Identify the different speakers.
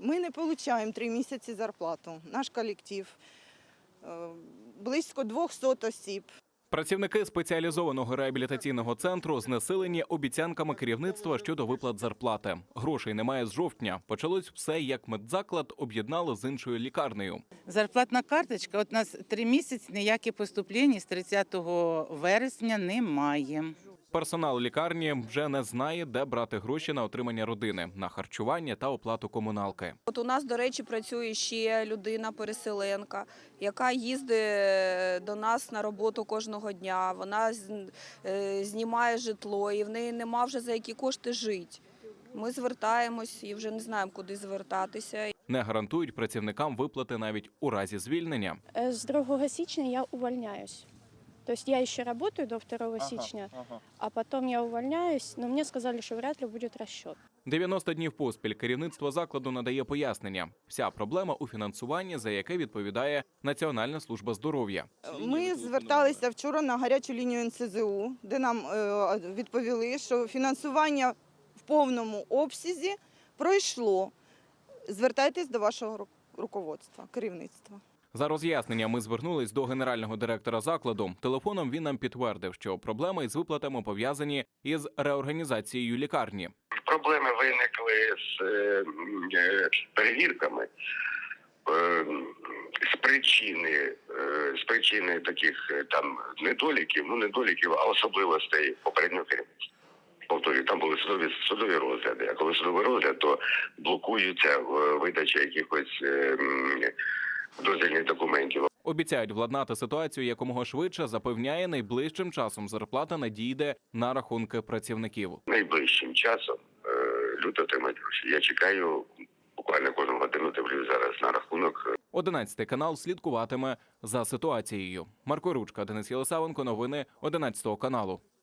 Speaker 1: Ми не отримуємо 3 місяці зарплату. Наш колектив близько 200 осіб.
Speaker 2: Працівники спеціалізованого реабілітаційного центру знесилені обіцянками керівництва щодо виплат зарплати. Грошей немає з жовтня. Почалось все, як медзаклад об'єднали з іншою лікарнею.
Speaker 3: Зарплатна карточка, от у нас 3 місяці ніякі поступлення з 30 вересня немає.
Speaker 2: Персонал лікарні вже не знає, де брати гроші на отримання родини, на харчування та оплату комуналки.
Speaker 4: От у нас, до речі, працює ще людина-переселенка, яка їздить до нас на роботу кожного дня. Вона знімає житло і в неї нема вже за які кошти жити. Ми звертаємось і вже не знаємо, куди звертатися.
Speaker 2: Не гарантують працівникам виплати навіть у разі звільнення.
Speaker 5: С 2 січня я увольняюсь. То есть я еще работаю до 2 січня, а потом я увольняюсь, но мне сказали, что вряд ли будет расчет.
Speaker 2: 90 днів поспіль керівництво закладу надає пояснення. Вся проблема у фінансуванні, за яке відповідає Національна служба здоров'я.
Speaker 1: Ми зверталися вчора на гарячу лінію НСЗУ, де нам відповіли, що фінансування в повному обсязі пройшло. Звертайтесь до вашого руководства, керівництва.
Speaker 2: За роз'яснення ми звернулись до генерального директора закладу. Телефоном він нам підтвердив, що проблеми із виплатами пов'язані із реорганізацією лікарні.
Speaker 6: Проблеми виникли з перевірками, з причини таких там недоліків, а особливостей попереднього керівництва. Повторюю, там були судові розгляди, а коли судовий розгляд, то блокується видача якихось дозвільних документів.
Speaker 2: Обіцяють владнати ситуацію якомога швидше, запевняє, найближчим часом зарплата надійде на рахунки працівників.
Speaker 6: Найближчим часом люди отримають гроші. Я чекаю, буквально кожну годину дивлюсь зараз на рахунок.
Speaker 2: 11 канал слідкуватиме за ситуацією. Марко Ручка, Денис Єлисавенко, новини 11 каналу.